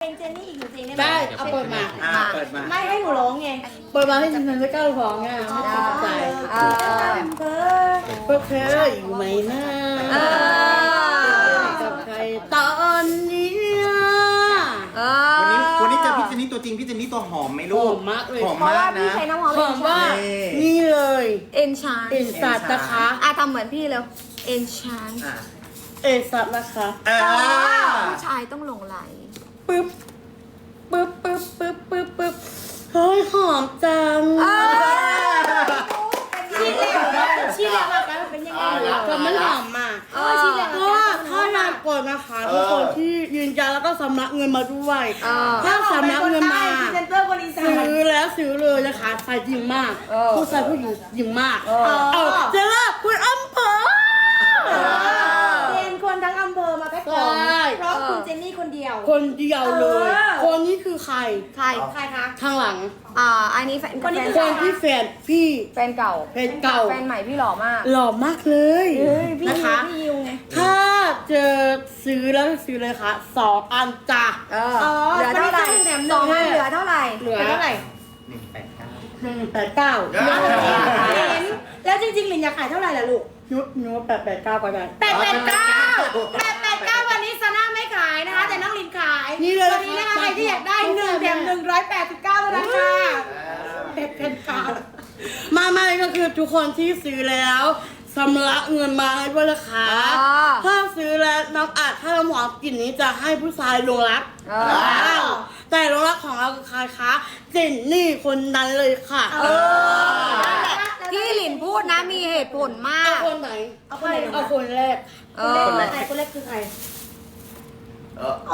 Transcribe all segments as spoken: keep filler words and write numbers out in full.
เป็นเจนนี่อีกจริงๆได้ไหมได้เอาเปิดมาอ่าเปิดมาไม่ให้หนูร้องไงเปิดมาให้ฉันจะก้าวของอ่ะไม่ได้ใจเออเออพวกเธออยู่ไหมนะกับใครตอนนี้วันนี้วันนี้เจอพี่เจนนี่ตัวจริงพี่เจนนี่ตัวหอมไหมหลูอก มมากเลยหอมเพราะมาว่าก พี่นะใช้น้ำหอมหอมว่านี่นี่เลยเอ็นชานเอ็นสัตว์นะคะอ่ะทำเหมือนพี่แล้วเอ็นชานอ่ะเอ็นสัตว์นะคะอ่าผู้ชายต้องหลงไหลปึ๊บปึ๊บปึ๊บปึ๊บปึ๊บปึ๊บเฮ้ยหอมจังชีสแล้วชีสแล้วมากันเป็นยังไงก็มันหอมมากเออชีสแล้วเพราะว่าถ้านานก่อนนะคะทุกคนที่ยืนยันแล้วก็สำนักเงินมาด้วยเออถ้าสำนักเงินมาพรีเซนเตอร์คนอีสานซื้อแล้วซื้อเลยนะคะใส่จริงมากเออผู้ชายผู้หญิงจริงมากเออเอาเจอแล้วคุณอำเภอเรียนคนทั้งอำเภอมาแพ็คของใช่เพราะคุณเจนนี่คนเดียวคนเดียวเลยเออคนนี้คือใครใครใครคะข้างหลังอ่าอันนี้แฟนคนนี้แฟคนที่แฟนพี่แฟนเก่าแฟนเก่าแฟนใหม่พี่หล่อมากหล่อมากเลยเฮ้ยพี่นะคะพี่ยิวไงถ้าเจอซื้อแล้วซื้อเลยค่ะสองอันจ้ะเอออ๋อเหลือเท่าไหร่คนนี้ซื้อหนึ่งแถมหนึ่งสองพันเหลือเท่าไหร่เหลือเป็นเท่าไหร่หนึ่งแปดเก้าหนึ่งแปดเก้าลินแล้วจริงๆลินอยากขายเท่าไหร่ล่ะลูกนุ๊นุ๊แปดแปดเก้าก็ได้แปดแปดเก้าแปดแปดเก้าวันนี้ซาน่าไม่ขายนะคะ แต่น้องลินขายนี่เลยวันนี้นะคะใครที่อยากได้หนึ่งแถมหนึ่งร้อยแปดสิบเก้าเท่านั้นค่ะแปดแปดเก้ามาไม่ก็คือทุกคนที่ซื้อแล้วสำลักเงินมาให้ด้วยนะคะอ๋อถ้าซื้อแล้วน้องอาจถ้าเราหมอกลิ่นนี้จะให้ผู้ชายหลงรักเออว้าวแต่หลงรักของเราคือใครคะเจนนี่คนนั้นเลยค่ะเออที่หลินพูดนะมีเหตุผลมาเอากคนไหนเอาคนไหนเอาคนแรกเอคนอแรกใครคนแรกคือใครเอออ๋อ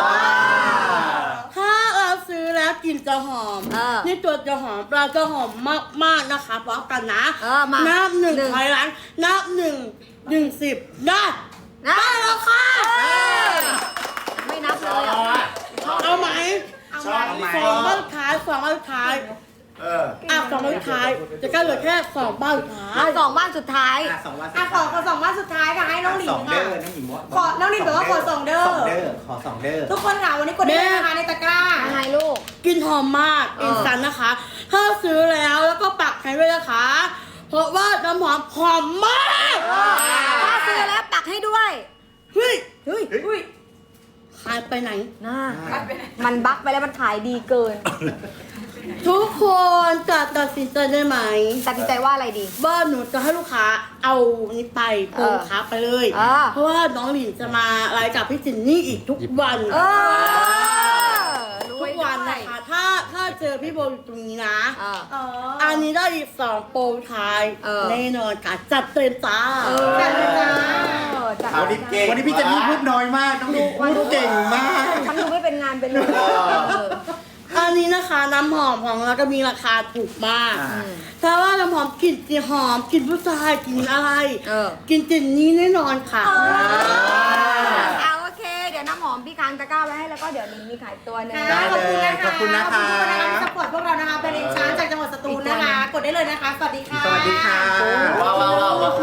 ถ้าเราซื้อแล้วกลิ่นจะหอมเออนี่ตัวจะหอมเราจะหอมมากๆนะคะพร้อมกันนะเออมานับหนึ่งหนึ่งถอยหลังนับหนึ่งหนึ่งสิบได้นะได้แล้วค่ะไม่นับเลยอ่ะเอาไหมชอบไหมสองบ้านท้ายสองบ้านท้ายเอออ่ะสองบ้านท้ายจะก็เหลือแค่สองบ้านท้ายสองบ้านสุดท้ายอ่ะสองวันอ่ะขอขอสองวันสุดท้ายค่ะให้น้องหลินสองเด้ค่ะอน้องหญิงบอกขอน้องหลินบอกว่าขอสองเด้อสองเด้อขอสองเด้อทุกคนค่ะวันนี้กดได้เลยนะคะในตะกร้ายังไงลูกกลินหอมมากเอออินสแตนต์นะคะ ถ้าซื้อแล้วแล้วก็ปักให้ด้วยนะคะ เพราะว่าน้ำหอมหอมมากถ้าซื้อแล้วปักให้ด้วยเฮ้ยเฮ้ยอุ้ยหายไปไหนน่ามันบั๊กไปแล้วมันขายดีเกินทุกคนจะตัดสินใจได้ไหมตัดสินใจว่าอะไรดีว่าหนูจะให้ลูกค้าเอานี้ไปโปรเออค้าไปเลยเออเพราะว่าน้องหลินจะมาไลฟ์กับพี่จินนี่อีกทุกวันเออทุกวันนะคะ ถ้าถ้าเจอพี่โบอยู่ตรงนี้นะเอออ๋ออันนี้ได้อีกสองโปรท้ายเออแน่นอนค่ะจัดเต็มจ้าเออจัดเลยจ้าจัดวันนี้เก่งวันนี้พี่เจนนี่พูดน้อยมากน้องหญิงพูดเก่งมากฉันดูไม่เป็นงานเป็นเลยเอออันนี้นะคะน้ำหอมของเราก็มีราคาถูกมากอ่าถ้าว่าน้ำหอมกลิ่นจีหอมกลิ่นผู้ชายกลิ่นอะไรเออกลิ่นจินนี้แน่นอนค่ะเอาโอเค เดี๋ยวน้ำหอมพี่ค้างตะกร้าไว้ให้แล้วก็เดี๋ยวนี้มีขายตัวหนึงค่ะได้เลยขอบคุณนะคะขอบคุณนะคะขอบคุณนะคะที่สปอร์ตพวกเรานะคะเป็นเอ็นชานจากจังหวัดสตูลนะคะ กดได้เลยนะคะ สวัสดีค่ะสวัสดีค่ะว้าวว้าวว้าวว้าว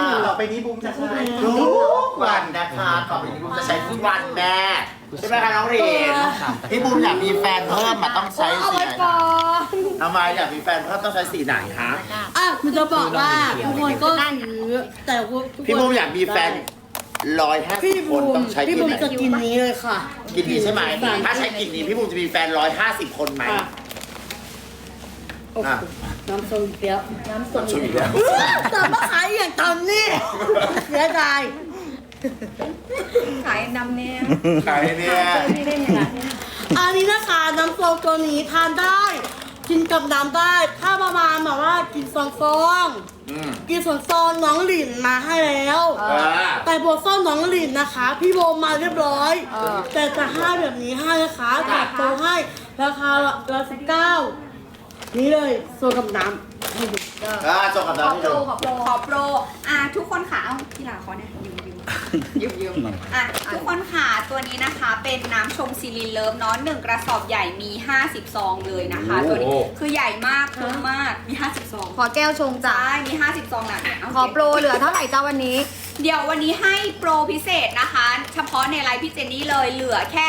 ต่อไปนี้บูมจะใช้ทุทุกกวัวัน นนะคะต่อไปนี้บูมจะใช้ทุกวันแน่ใช่ไหมคะน้องเรนพี่บูมอยากมีแฟนเพิ่มมาต้องใช้เอาสีไว้ไหนก่อคะนทำไมอยากมีแฟนเพิ่มต้องใช้สีไหนคะอ่ะมันจะบอกว่าทุกคนก็ซื้อแต่พวกทุกคนพี่บูมอยากมีแฟนร้อยห้าสิพี่บคบูนมต้องใช้พี่กบูลิ่มนไหนจะกินนี้เลยค่ะกลิ่นนี้ใช่ไหมถ้าใช้กลิ่นนี้พี่บูมจะมีแฟนร้อยห้าสิบคนไหมอ่ะโอ้โหน้ำส้มเปรี้ยวน้ำส้มช่วยอีกแล้วแต่มาขายอย่างตอนนี้เสียดายขายนำเนี่ยใครเนี่ยไม่ได้เนี่ยนะอันนี้นะคะน้ำส้มตัวนี้ทานได้ กินกับน้ำได้ ถ้าประมาณแบบว่ากินซองซองอืมกินส่วนซองน้องหลินมาให้แล้วเออแต่บทซ่อนน้องหลินนะคะ พี่โบมาเรียบร้อยเออแต่จะให้แบบนี้ให้นะคะจัดโปรให้ราคาละสิบเก้านี่เลยโซกับน้ำให้ดูอ่าจบกับขน้อองโปรดูขอโปรขอโปร อ่ะทุกคนค่ะเอาพี่หลาขอเนี่ยยืมยืมยืมยืมอ่ะทุกคนค่ะตัวนี้นะคะเป็นน้ำชงซีลินเลิฟเนาะหนึ่งกระสอบใหญ่มีห้าสิบซองเลยนะคะ ตัวนี้คือใหญ่มากคุ้มมากมีห้าสิบซองขอแก้วชงจ้าใช่มีห้าสิบซองนะเนี่ยเาขอโปรเหลือเท่าไหร่จ้าวันนี้เดี๋ยววันนี้ให้โปรพิเศษนะคะ เฉพาะในไลฟ์พี่เจนนี่เลยเหลือแค่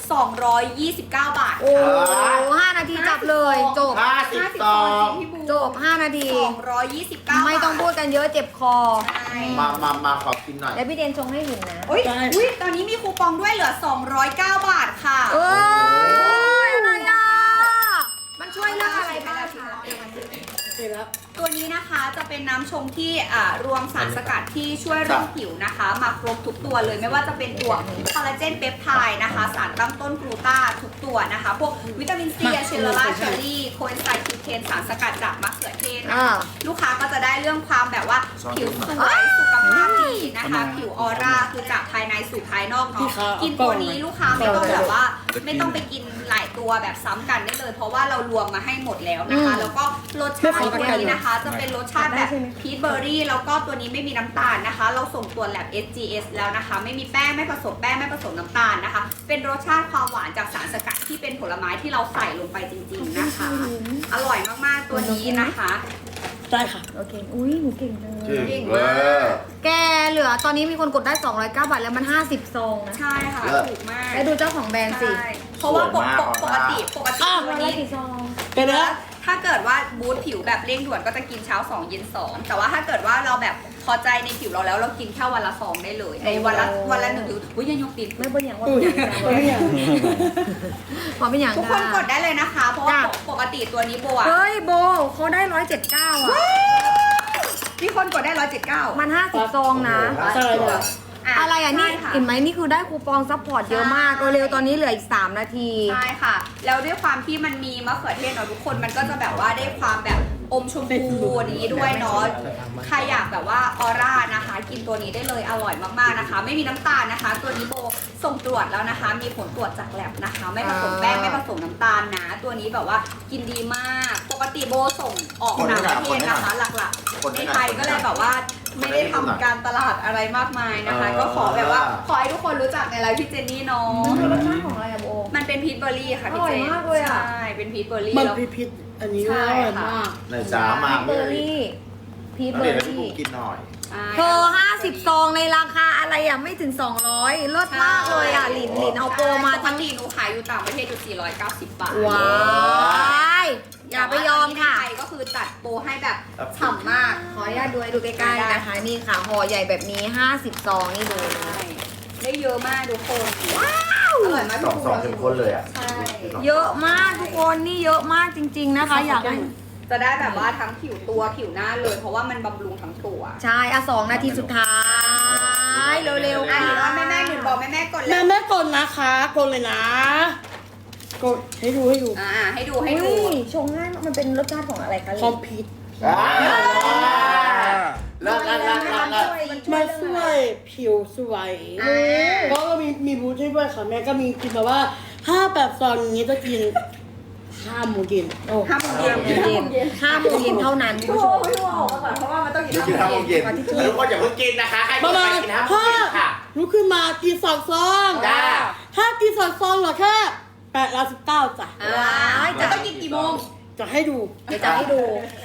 สองร้อยยี่สิบเก้าบาทโอ้ห้านาทีจับเลยจบห้าสิบซองพี่บูจบห้านาทีสองร้อยยี่สิบเก้าไม่ต้องพูดกันเยอะเจ็บคอใช่มามามาขอกินหน่อยแล้วพี่เดนชงให้หลินนะอุ้ยอุ้ยตอนนี้มีคูปองด้วยเหลือสองร้อยเก้าบาทค่ะเอ้ยอะไรอ่ะมันช่วยเรื่องอะไรบ้างคะเสร็จแล้วตัวนี้นะคะจะเป็นน้ำชงที่อ่ารวมสารสกัดที่ช่วยเรื่องผิวนะคะมาครบทุกตัวเลยไม่ว่าจะเป็นตัวคอลลาเจนเปปไทด์นะคะสารตั้งต้นกลูตาทุกตัวนะคะพวกวิตามินซีอะเชลลาเชอรี่โคเอนไซม์คิวเทนสารสกัดจากมะเขือเทศนะอ่าคะลูกค้าก็จะได้เรื่องความแบบว่าผิวสวยสุขภาพดีนะคะ ผิวออร่าคือจากภายในสู่ภายนอกพี่เนาะคะกินตัวนี้ลูกค้าไม่ต้องแบบว่า ไม่ต้องไปกินหลายตัวแบบซ้ำกันได้เลย เพราะว่าเรารวมมาให้หมดแล้วนะคะ แล้วก็รสชาติตัวนี้นะคะ จะเป็นรสชาติแบบพีชเบอร์รี่แล้วก็ตัวนี้ไม่มีน้ำตาลนะคะ เราส่งตัวแลบ เอส จี เอส แล้วนะคะ ไม่มีแป้งไม่ผสมแป้งไม่ผสมน้ำตาลนะคะ เป็นรสชาติความหวานจากสารสกัดที่เป็นผลไม้ที่เราใส่ลงไปจริงๆนะคะ อร่อยมากๆตัวนี้นะคะได้ค่ะโอเค อุ้ยหนูเก่งเลยเก่งเวมาอก ร์แกเหลือตอนนี้มีคนกดได้สองร้อยเก้าบาทแล้วมันห้าสิบซองนะใช่ค่ะถูกมากแล้วดูเจ้าของแบรนด์สิใช่เพราะว่าปกปกปกติปกติอ้าวตัวร้อยนี้กี่ซองเป็นแล้วถ้าเกิดว่าบูทผิวแบบเร่งด่วนก็จะกินเช้าสองเย็นสองแต่ว่าถ้าเกิดว่าเราแบบพอใจในผิวเราแล้วเรากินแค่วันละสองได้เลยในวันละวันละหนึ่งหรืออุ้ยยังยกติดไม่เป็นอย่างว่าอุ้เป็นยอย่างไม่อยากพอเป็นอย่างทุกคนกดได้เลยนะคะ เพราะว่าปกติตัวนี้โบอะเฮ้ยโบเขาได้ร้อยเจ็ดเก้าอ่ะมีคนกดได้ร้อยเจ็ดเก้ามันห้าสิบซองนะใช่เลยอะไรอ่ะนี่เห็นไหมนี่คือได้คูปองซัพพอร์ตเยอะมากเร็วๆตอนนี้เหลืออีกสามนาทีใช่ค่ะ แล้วด้วยความที่มันมีมะเขือเทศเนาะทุกคนมันก็จะแบบว่าได้ความแบบอมชมพูนี้ด้วยเนาะใครอยากแบบว่าออร่านะคะ กินตัวนี้ได้เลยอร่อยมากๆนะคะ ไม่มีน้ำตาลนะคะ ตัวนี้โบส่งตรวจแล้วนะคะ มีผลตรวจจากแลบนะคะ ไม่ผสมแป้งไม่ผสมน้ำตาลนะ ตัวนี้แบบว่ากินดีมาก ปกติโบส่งออกต่างประเทศนะคะหลักๆในไทยก็เลยแบบว่าไม่ได้ทำการตลาดอะไรมากมายนะคะ ก็ขอแบบว่าขอให้ทุกคนรู้จักในไลฟ์พี่เจนนี่เนาะมันเป็นรสชาติของอะไรอะโบมันเป็นพีชเบอร์รี่ค่ะพี่อร่อยเจนมากเลยอะใช่เป็นพีชเบอร์รี่มันแล้วพิพิษอันนี้อร่อยมากในจ้ามาเบอร์รี่พีชแล้วเบอเดี๋ยวร์ให้พี่รี่บุ๊กกินหน่อยใช่เธอห้าสิบซองในราคาอะไรอ่ะไม่ถึงสองร้อยเลิศมากเลยอ่ะหลินหลินเอาโปรมาปกทั้งติหนูขายอยู่ต่างประเทศอยู่สี่ร้อยเก้าสิบบาทว้ายอย่าไปยอมค่ะแต่ว่าตอนนี้ในไทยก็คือจัดโปรให้แบบฉ่ำมากขออนุญาตดูให้ดูใกล้ๆนะคะนี่ค่ะห่อใหญ่แบบนี้ห้าสิบซองนี่ดูใช่ได้เยอะมากทุกคนอร่อยมากสองสองเข้มข้นเลยอ่ะใช่เยอะมากทุกคนนี่เยอะมากจริง ๆนะคะ อยากให้จะได้แบบว่าทั้งผิวตัวผิวหน้าเลย เพราะว่ามันบำรุงทั้งตัวใช่อ่ะสองนาทีสุดท้ายเร็วๆอ่ะค่ะหรือว่าแม่แม่หนึ่งบอกแม่แม่กดเลแม่ยแม่กดนะคะกดเลยนะ กดให้ดูให้ดูอ่าให้ดูให้ดูอุ้ยชงง่ายมากมันเป็นรสชาติของอะไรคะหคลิอมนพิษอ่าเลิศเลิศเลิศเลิศเลิศมันช่วยผิวสวยอ่าก็มีมีบูธให้ด้วยค่ะแม่ก็มีกินแบบว่าห้าแบบซองนี้จะกินห้าโมงเย็นโอ้ห้าโมงเย็นเย็นห้าโมงเย็นเท่านั้นคุณผู้ชมพี่วออกมาก่อนเพราะว่ามันต้องกินนี่กินข้าวโมงเย็นแล้วทุกคนอย่าเพิ่งกินนะคะ ใครประไม่มาณกินห้าโมงห้าเย็นค่ะลุกขึ้นมากินสองซองจ้าถ้ากินสองซองเหรอแค่แปดร้อยสิบเก้าจ้ะอ่าจะต้องกินกี่โมงจะให้ดูเดี๋ยวจะให้ดู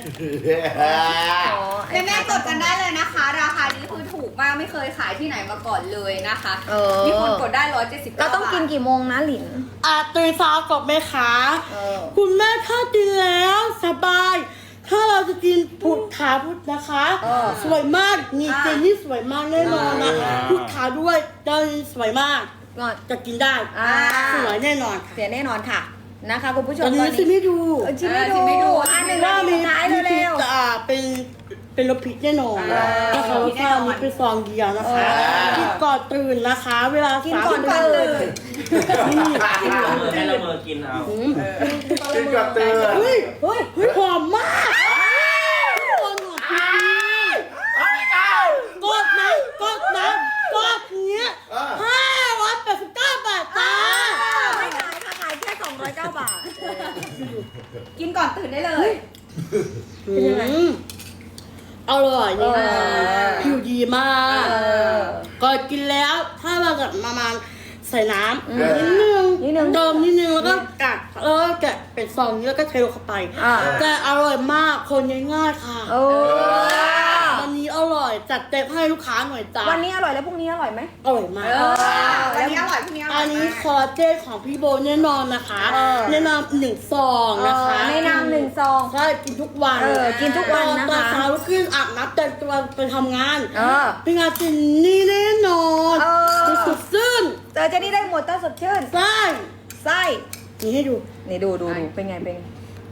แม่แม่ๆกดกันได้เลยนะคะ ราคานี้คือถูกมากไม่เคยขายที่ไหนมาก่อนเลยนะคะเออมีคนกดได้ร้อยเจ็ดสิบเราต้องกินกี่โมงนะหลินอาตื่นเช้ากับแม่ค้าเออคุณแม่ถ้ากินแล้วสบาย ถ้าเราจะกินพุทธาพุทธนะคะเออสวยมากนี่เจนนี่สวยมากแน่นอนนะพุทธาด้วยเจนนี่สวยมากก่อนจะกินได้อ่าสวยแน่นอนค่ะเสียแน่นอนค่ะนะคะคุณผู้ชตอมนนี้ซิไม่ดูเออชิมไม่ดูอันหนึ่งนาว่าทีมีสุดท้ายมีพิเร็ษวจะอ่าเป็นเป็นรสพิษแน่นอนนะคะรสชาตินี้เป็นซองเดียวนะคะกินก่อนตื่นนะคะ เวลากินสามก่อนสิบตื่นนี่ให้ละเมอกินเอาอืมกินกับเตือนเฮ้ยเฮ้ยเฮ้ยหอมมากทุกคนหอมจริงกดนะกดนะกดเนี้ยห้าร้อยแปดสิบเก้าบาทจ้าไม่ขายค่ะขายแค่สองร้อยเก้าบาทกินก่อนตื่นได้เลยอืมอร่อยนี่นะผิวดีมากเออก่อนกินแล้วถ้าเราจะประมาณใส่น้ำอืมนิดนึงนิดนึงเติมนิดนึงแล้วก็กัดแล้วก็แกะเป็นซองนี้แล้วก็เทลงเข้าไปอ่าแต่อร่อยมากคนง่ายๆค่ะโอ้วันนี้อร่อยจัดเต็มให้ลูกค้าหน่อยจ้าวันนี้อร่อยแล้วพรุ่งนี้อร่อยไหมอร่อยมากเออวันนี้อร่อยพรุ่งนี้อร่อัอน ยนี้มากคอลลาเจนของพี่โบแน่นอนนะคะเออแนะนำหนึ่งซองนะคะในนามหนึ่งซองใช่กินทุกวันเออกินทุกวันนะคะตอนเช้าลุกขึ้นอาบน้ำแต่งตัวไปทำงานเออเป็นงานจินนี่แน่นอนเออสุดซึ้งเจอเจนี่ได้หมดต้าสดชื่นใช่ไส้นี่ให้ดูนี่ดูดูดูเป็นไงเป็นไง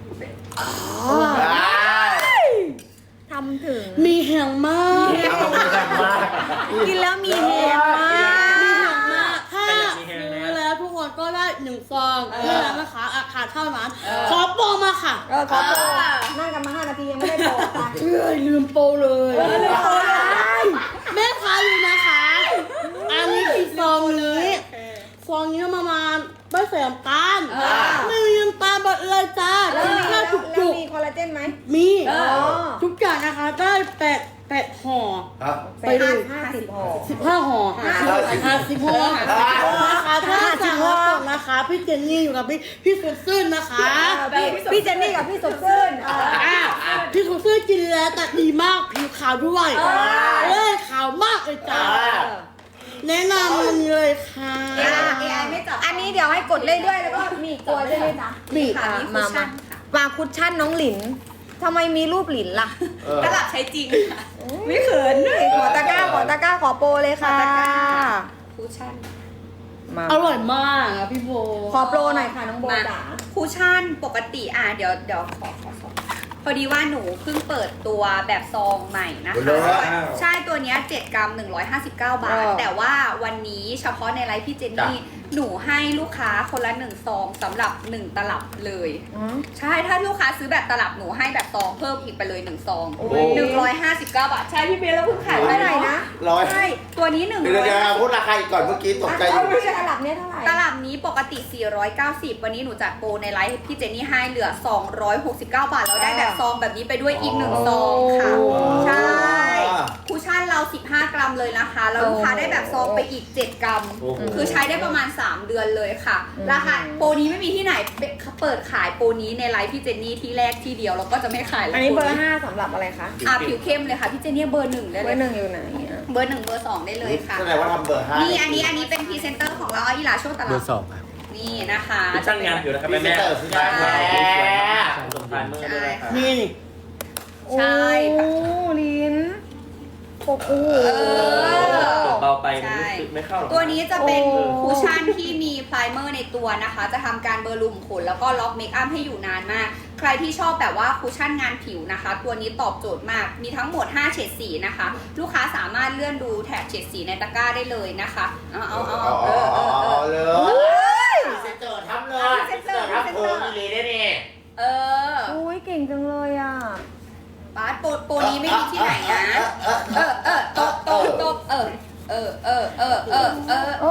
ทำถึงมีแห่งมากเอาไปกันมากกินแล้วมีแฮงมากมีแห่งมากถ้าซื้อแล้วทุกคนก็ได้หนึ่งซองเท่านั้นนะคะอาคาเท่านั้นขอโปรมาค่ะเออขอโปรนั่งกันมาห้านาทียังไม่ได้โปรค่ะเอ้ยลืมโปรเลยแม่ค้าอยู่นะคะ อันนี้คือซองนี้ซองนี้ประมาณไม่ใส่น้ำตาลไม่มีน้ำตาลหมดเลยจ้าแล้วมีแค่แล้วจุกแล้วจุกมีคอลลาเจนไหมมีอ๋อทุกอย่างนะคะได้แปดแปดห่อไปดูห้าสิบห่อสิบห้าห่อห้าสิบห่อนะคะถ้าสั่งแล้วกดนะคะพี่เจนนี่อยู่กับพี่พี่สุดซื่นนะคะพี่พี่เจนนี่กับพี่สดชื่นเอออ่ะพี่สุดซื่นกินแล้วแต่ดีมากผิวขาวด้วยเลยขาวมากเลยจ้าแนะนำมันเลยค่ะเอไอไม่จับอันนี้เดี๋ยวให้กดเรื่อยๆแล้วก็มีอีกตัวใช่ไหมจ๊ะบีค่ะมีคุมาชชั่มานค่ะวางคุชชั่นน้องหลินทำไมมีรูปหลินล่ะตลับใช้จริงค่ะไม่เขินขอตะกร้าขอตะกร้าขอโปรเลยค่ะขอตะกร้า คุชชั่นมาอร่อยมากอ่ะพี่โบขอโปรหน่อยค่ะน้องโบมาจ๋าคุชชั่นปกติอ่ะเดี๋ยวเดี๋ยวขอขอสองพอดีว่าหนูเพิ่งเปิดตัวแบบซองใหม่นะโอ้โหคะใช่ตัวเนี้ยเจ็ดกรัมหนึ่งร้อยห้าสิบเก้าบาท แต่ว่าวันนี้เฉพาะในไลฟ์พี่เจนนี่หนูให้ลูกค้าคนละหนึ่งซองสำหรับหนึ่งตลับเลยอืมใช่ถ้าลูกค้าซื้อแบบตลับหนูให้แบบซองเพิ่มอีกไปเลยหนึ่งซองโอ้โหหนึ่งร้อยห้าสิบเก้าบาทใช่พี่เบลแล้วเพิ่งขายเท่าไหร่นะร้อยใช่ตัวนี้หนึ่งเดี๋ยวร้อยเดี๋ยวพูดราคาอีกก่อนเมื่อกี้ตกใจอยู่ไม่ใช่ตลับเนี้ยเท่าไหร่ตลับนี้ปกติสี่ร้อยเก้าสิบวันนี้หนูจัดโปรในไลฟ์พี่เจนนี่ให้เหลือสองร้อยหกสิบเก้าบาทเราได้แบบซองแบบนี้ไปด้วยอีกหนึ่งซองค่ะโอ้ใช่คุชชั่นเราสิบห้ากรัมเลยนะคะแล้วลูกค้าได้แบบซองไปอีกเจ็ดกรัมโอ้โหคือใช้ได้ประมาณสามเดือนเลยค่ะ ราคาโปรนี้ไม่มีที่ไหนเปิดขายโปรนี้ในไลฟ์พี่เจนนี่ที่แรกที่เดียวเราก็จะไม่ขายแล้วอันนี้เบอร์ห้าสำหรับอะไรคะอ่ะผิวเข้มเลยค่ะพี่เจนนี่เบอร์หนึ่งได้เบเลอย ร์หนึ่งอยู่ไหนอ่ะเบอร์หนึ่งเบอร์สองได้เลยค่ะแสดงว่าทำเบอร์ห้านี่อันนี้อันนี้เป็นพรีเซนเตอร์ของเราเอาอีหลาโชว์ตลาดนี่นะคะช่างงานอยู่นะครับพรีแม่เซนแม่เตอร์สุดยอดแล้สมทายเมื่อด้วยนะครับนี่นี่ใช่โอ้ลิ้นโอ้โหเออเบาไปมันรู้สึกไม่เข้าหรอกตัวนี้จะเป็นโอ้คูชั่นที่มีไพรเมอร์ในตัวนะคะ จะทำการเบอร์ลุมขนแล้วก็ล็อกเมคอัพให้อยู่นานมาก ใครที่ชอบแบบว่าคูชั่นงานผิวนะคะ ตัวนี้ตอบโจทย์มาก มีทั้งหมดห้าเฉดสีนะคะ ลูกค้าสามารถเลื่อนดูแถบเฉดสีในตะกร้าได้เลยนะคะ เอาเอาเอาเอาเออเออเออเลยพรีเซนเตอร์ทำเลยพรีเซนเตอร์ทำเพิ่มอีหลีได้นี่เอออุ้ยเก่งจังเลยอ่ะบาสโปรโปรนี้ไม่มีที่ไหนนะ เออเออตบตบตบเออเออเออเออเออเออโอ้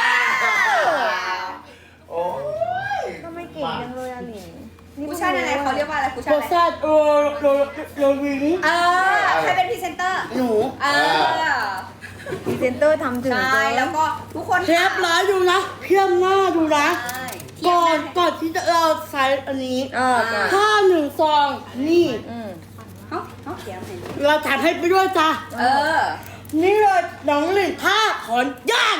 โอ้ยทำไมเก่งจังเลยอ่ะหลินคูชั่นอะไรเขาเรียกว่าอะไรคูชั่นโรอะไรซ่าโรโรโรวิงเออใครเป็นพรีเซนเตอร์หนูเออพรีเซนเตอร์ทำถึงใช่แล้วก็ทุกคนเทปร้ายดูนะเพียมหน้าดูนะใช่ก่อนก่อนที่จะเราใช้อันนี้เออก่อนถ้าหนึ่งซองนี่อืมเขาเขาเขียนเห็นเราจัดให้ไปด้วยจ้ะเออนี่เลยน้องหลินท่าขอนย่าง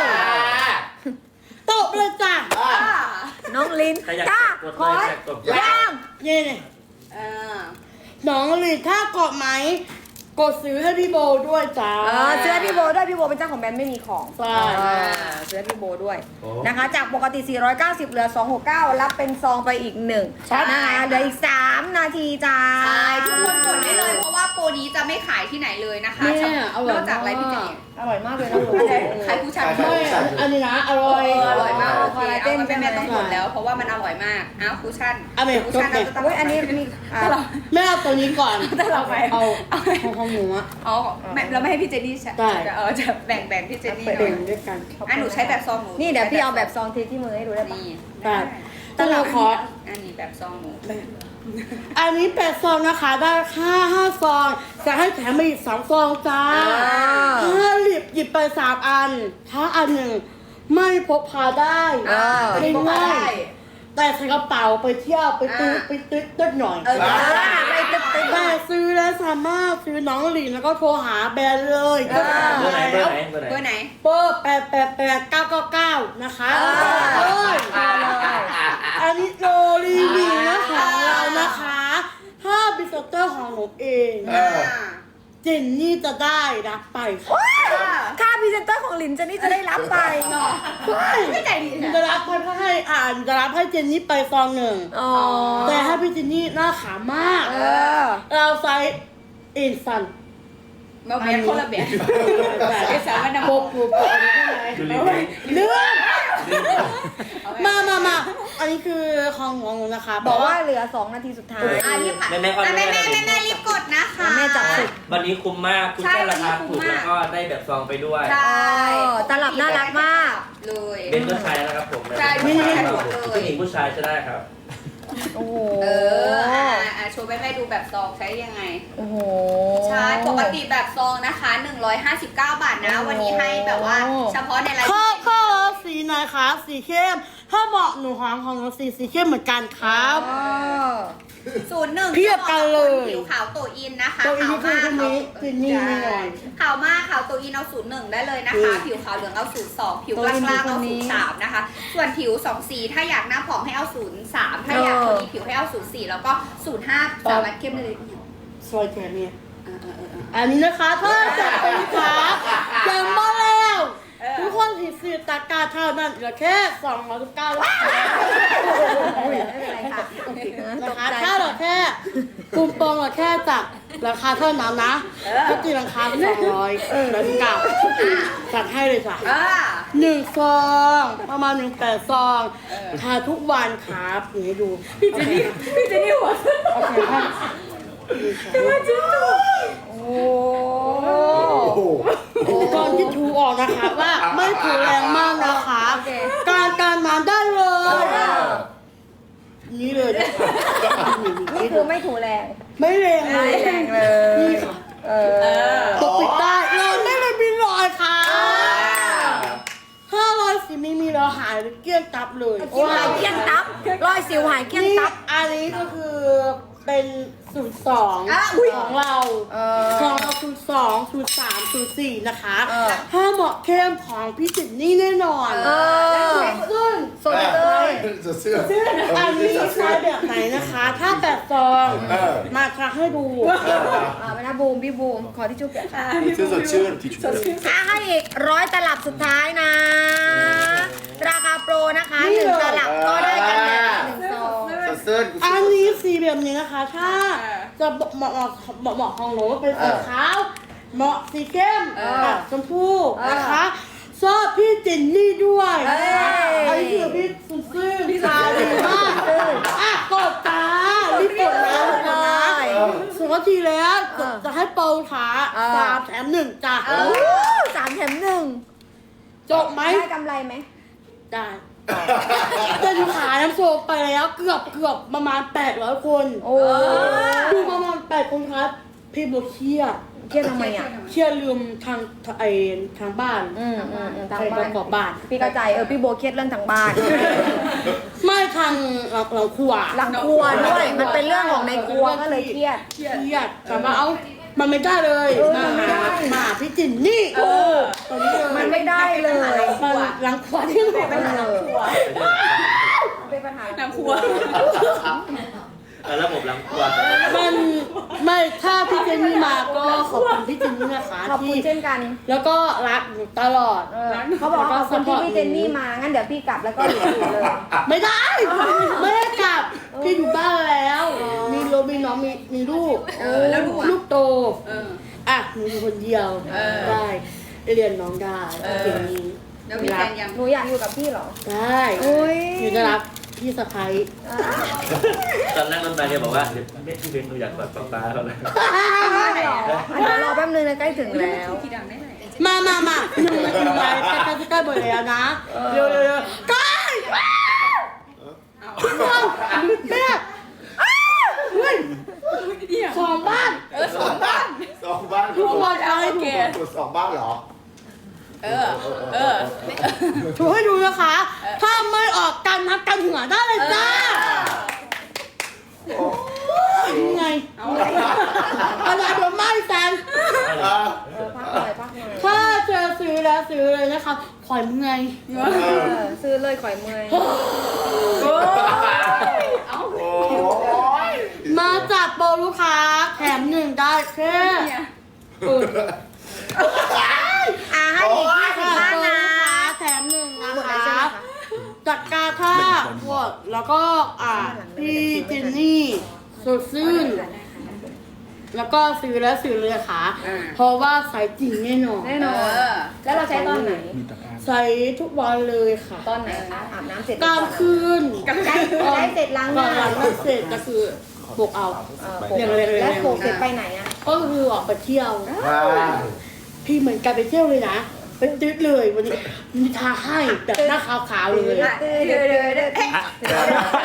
ตบเลยจ้ะน้องลิ้นใครอยากจ้ากดขเลอยอยากกดย่างนี่นี่เออน้องหลินท่ากดไหมกดซื้อให้พี่โบด้วยจ้าเออเสื้อพี่โบด้วยพี่โบเป็นเจ้าของแบรนด์ไม่มีของใช่อ่าเสื้อพี่โบด้วยนะคะ จากปกติ สี่ร้อยเก้าสิบ เหลือ สองร้อยหกสิบเก้า รับเป็นซองไปอีกหนึ่งนะคะเหลืออีก สาม นาทีจ้าใช่ทุกคนกดได้เลยเพราะว่าโปรนี้จะไม่ขายที่ไหนเลยนะคะเนี่ยอร่นอยอกจากไรพี่เจนอร่อยมากเลยนะอันไหนขายผู้ชายไม่อันนี้นะอร่อยอร่อยมากโอเคคอลลาเจเอานมาเป็นแม่ใช่ไหมต้องกดแล้ว เพราะว่ามันอร่อยมากอ้าวคูชั่นเอาไปคูชั่นจบเลยเราจะต้องโอ้ยอันนี้มีอ่ะแม่เอาตัวนี้ก่อนแต่เราไปเอาของของหนูอะอ๋อไม่เราไม่ให้พี่เจนนี่ใช่ได้เออจะแบ่งแบ่งพี่เจนนี่หเปิน่ดอยด้วยกันอ่ะหนูใช้แบบซองหนูนี่เดี๋ยวพี่เอาแบบซองเทที่มือให้ดูได้ปะนี่ได้แต่เราขออันนี้แบบซองหนูอันนี้แปดซองนะคะได้ห้าห้าซองจะให้แถมมาอีกสองซองจ้าถ้าหยิบหยิบไปสามอัน ถ้าอันหนึ่งไม่พกพาได้อ่าไม่ง่ายแต่ใส่กระเป๋าไปเที่ยวไปตื้อไปตื้อตื้อหน่อยเอออ่าไปตึ๊ดแต่ซื้อแล้วสามารถซื้อน้องหลินแล้วก็โทรหาแบรนด์เลยเบอร์ไหนเบอร์ไหนเบอร์ไหนเบอร์ไหนเบอร์แปดแปดแปดเก้าเก้าเก้านะคะเอ้ยอันนี้โรรีวิวนะคะของเรานะคะถ้าบิสเตอร์ของหนูเองเออเจนนี่จะได้รับไปค่ะค่าพรีเซนเตอร์ของลินเจนนี่จะได้รับไปใช่ไม่ใจดีจะรับให้ให้อ่านจะรับให้เจนนี่ไปซองหนึ่งอ๋อแต่ถ้าพี่เจนนี่หน้าขาวมากเออเราใส่อินสันมาเบียนคนละแบบไอ้สาวมันดำโปกปูโปกอะไรข้างในเลือดมามามาอันนี้คือของของหนูนะคะบอกว่าเหลือสองนาทีสุดท้ายอ่ะรีบค่ะแม่แม่ก็อ่ะแม่แม่แม่แม่แม่แม่รีบกดนะคะแม่จับสุดวันนี้คุ้มมากคุ้มใช่แค่ราคาวันนี้คุ้ถูมกมากแล้วก็ได้แบบซองไปด้วยใช่เออตลับน่ารักมากเลยเป็นผู้ชายนะครับผมใช่ผู้ชายหมดเลยผู้หญิงผู้ชายจะได้ครับโอ้โหเอออ่ะอ่ะโชว์แม่แม่ดูแบบซองใช้ยังไงโอ้โหใช่ ปกติแบบซองนะคะหนึ่งร้อยห้าสิบเก้าบาทนะ วันนี้ให้แบบว่าเฉพาะในไลฟ์ข้อข้อสีไหนคะสีเข้ม ถ้าเหมาะหนูของของหนูสีสีเข้มเหมือนกันครับอ๋อศูนย์หนึ่งเทียบกันเลยผิวขาวโตอินนะคะตัวอินขาวคือมากคนนี้เจนนี่ไม่หน่อยขาวมากขาวโตอินเอาศูนย์หนึ่งได้เลยนะคะ ผิวขาวเหลืองเอาศูนย์สองผิวกลางๆเอาศูนย์สามนะคะ ส่วนผิวสองสีถ้าอยากหน้าผ่องให้เอาศูนย์สามถ้าอยากคนนี้ผิวให้เอาศูนย์สี่แล้วก็ศูนย์ห้าสามารถเข้มได้เลยซอยแค่นี้เออเออเออเอออันนี้นะคะถ้าจะเป็นขาจำมาแล้วเออทุกคนที่ซื้อตะกร้าเท่านั้นเหลือแค่สองร้อยสิบเก้าบาทไม่เป็นไรค่ะนะคะถ้าเหลือแค่ปุ่มโปงเหลือแค่จากราคาเท่านั้นนะก็ตีราคาสองร้อยแล้วเก้าจัดให้เลยจ้ะอ่าหนึ่งซองประมาณหนึ่งแปดซองทาทุกวันครับนี่ดูพี่เจนี่พี่เจนี่หัวโอเคครับโอ้โอ้โหตอนที่ถูออกนะคะว่าไม่ถูแรงมากนะคะ การการมาได้เลย นี่เลยนะคะนี่คือไม่ถูแรงไม่แรงเลยไม่แรงเลยนี่ค่ะเออปกปิดได้เลยไม่เลยมีรอยค่ะถ้ารอยสีไม่มีเราหายหรือเกลี้ยงตับเลยสิวหายเกลี้ยงตับรอยสิวหายเกลี้ยงนี่ตับอันนี้ก็คือเป็นสูตรสองอ่ะของเราเออของเราสูตรสองสูตรสามสูตรสี่นะคะเออถ้าเหมาะเข้มของพี่จิตนี่แน่นอนเออซึ่งสดเลยจะเสื้อซึ่งอันนี้ใช้แบบไหนนะคะ ถ้าแบบซองเออมาค่ะให้ดูอ่าไปนะบูมพี่บูมขอที่จุ๊บเปียกอ่ะเสื้อสดชื่นที่ชุดให้อีกร้อยตลับสุดท้ายนะ ราคาโปรนะคะหนึ่งตลับก็ได้กันแบบหนึ่งซองเสื้ออันนี้สีแบบนี้นะคะ ถ้าจะเหมาะเหมาะเหมาะเหมาะของหนูเป็นสีขาวเหมาะสีเข้มกับชมพูนะคะชอบพี่จินนี่ด้วยนะคะอันนี้คือพี่ซุนซื่อพี่ตาดีมากอ่ะกดตารีบกดแล้วนะสองนาทีแล้วจะให้โปรค่ะสามแถมหนึ่งจ้ะเออสามแถมหนึ่งจบไหมได้กำไรไหมได้จะดูขาน้ำโซไปแล้วเกือบเกือบประมาณแปดร้อยคนโอ้ดูประมาณแปดคนครับพี่โบเครียดเครียดทำไมอ่ะเครียดลืมทางไอทางบ้านอืมอืมอืมทางไปปบ้าระนกอบบ้านพี่เข้าใจเออพี่โบเครียดเรื่องทางบ้านไม่ทางเราเราครัวหลังครัวด้วย มันเป็นเรื่องของในครัวก็เลยเครียดเครียดแต่ว่าเอามันไม่ได้เลยเออมามันไม่ได้มาพี่จินนี่ตอนนี้เลยมันไม่ได้เลยมันหลังครัวที่ไหนเป็นปัญหาเป็นปัญหาน้ำครัวเออระบบหลังครัวมันไม่ถ้าพี่เจนนี่มาก็ขอบคุณพี่เจนนี่นะคะขอบคุณที่เช่นกันแล้วก็รักอยู่ตลอดเออเขาบอกว่าขอบคุณที่พี่เจนนี่มา งั้นเดี๋ยวพี่กลับแล้วก็อยู่อยู่เลยไม่ได้ ไม่ได้กลับ พี่อยู่บ้านแล้ว มีโรมีน้องมีมีลูกเออแล้วลูกอะลูกโตเอออ่ะหนูอยู่คนเดียวเออได้เรียนน้องได้เออเก่งนี้แล้วมีแฟนยังหนูอยากอยู่กับพี่เหรอได้อุ้ยหนูจะรักพี่สะพ้ายตอนนั่งรถมาเนี่ยบอกว่าเดี๋ยวแม่พี่เบนหนูอยากกอดป๊าป๊าเขาเลยเหรอเดี๋ยวรอแป๊บนึงนะใกล้ถึงแล้วที่ดังได้ไหนมามามาหนูหนูไปใกล้ใกล้ใกล้หมดแล้วนะ เร็วเร็วเร็วใกล้แม่เฮ้ยสองบ้านเออสองบ้านสองบ้านทุกคนเอาให้ดูตัวสองบ้านเหรอเออ เออถูให้ดูนะคะ ถ้าไม่ออกกันนับกันหัวได้เลยจ้าโอ้ไงอะไรเดี๋ยวไม่แซนเออเออพักหน่อยพักหน่อยถ้าเจอซื้อแล้วซื้อเลยนะคะขอยเมื่อยเออซื้อเลยข่อยเมื่อยโอ้ยมาจับโปรลูกค้าแถมหนึ่งได้แค่เอออ่ะให้อีกยี่สิบจับบ้านโปรนะลูกค้าแถมหนึ่งนะหมดเลยคะใช่ไหมคะจัดการท่าพวกแล้วก็อ่าพี่เจนนี่สดซื่นแล้วก็ซื้อแล้วซื้อเลยค่ะ เพราะว่าใส่จริงแน่นอนแน่นอนแล้วเราใช้ตอนไหนใส่ทุกวันเลยค่ะตอนไหนคะอาบน้ำเสร็จกลางคืนใช้ใช้เสร็จล้างหก่อน้านหลังเสร็จก็คือปลุกเอาเออโขกแล้วโขกเสร็จไปไหนอ่ะก็คือออกไปเที่ยวว้าวพี่เหมือนกันไปเที่ยวเลยนะเป็นตึ๊ดเลยวันนี้มีทาให้แต่หน้าขาวๆเลยเดือดเดือดเดือดเดือด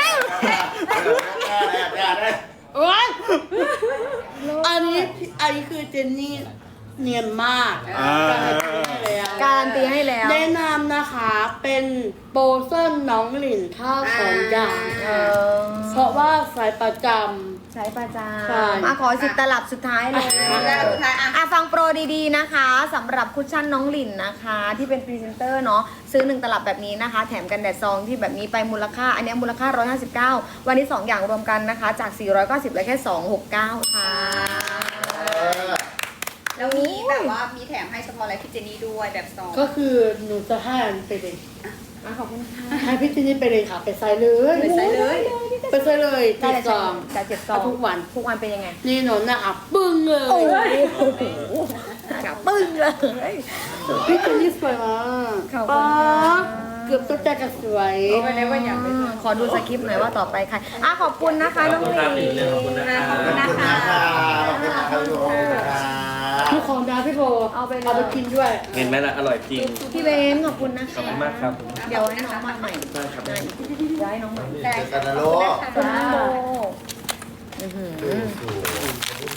โอ๊ยอันนี้อันนี้คือเจนนี่เนียนมากอ่าการันตีให้แล้วการันตีให้แล้วแนะนำนะคะเป็นโปรเส้นน้องหลินท่าสองอย่างเออเพราะว่าสายประจใช้ประจใช่ำอ่ะขอสิบตลับสุดท้ายเลยแล้วสุดท้ายอ่ะอ่ะฟังโปรดีๆนะคะสำหรับคุชชั่นน้องหลินนะคะ ที่เป็นพรีเซนเตอร์เนาะซื้อหนึ่งตลับแบบนี้นะคะ แถมกันแดดซองที่แบบนี้ไปมูลค่า อันนี้มูลค่าหนึ่งร้อยห้าสิบเก้าวันนี้สองอย่างรวมกันนะคะ จาก สี่ร้อยเก้าสิบเหลือแค่สองร้อยหกสิบเก้าค่ะแล้วมีแบบว่ามีแถมให้เฉพาะอะไรพี่เจนนี่ด้วยแบบซองำก็คือหนูจะให้อันไปเลยอ่ะขอบคุณค่ะให้พี่เจนนี่ไปเลยค่ะ ไปใส่เลยไปใส่เลยไปใส่เลยได้ติดเลยซองจากเจ็ดซองทุกวันทุกวันเป็นยังไงนี่หนูนะคะปึ้งเลยโอ้โหกับปึ้งเลยพี่เจนนี่สวยมากขอบคุณป๊าค่ะเกือบตัวใจกระสวยขอดูสคริปต์หน่อยว่าต่อไปใครอ่ะขอบคุณนะคะขน้ออบ งคุณหคลิรับพี่นเรื่องขอบคุณนะขอบคุณคนะรับคะขอบคุณนะคะขอบคุณนะคะทุกของดาพี่โบเอาไปเลยเอาไปกินด้วยเห็นไหมล่ะอร่อยจริงพี่เบนขอบคุณนะขอบคะคุณมากครับเดี๋ยวให้น้องมาใหม่ได้ครับย้ายน้องใหม่ได้เจอกันนะลูกขอบคุณน้องโบอื้อหือ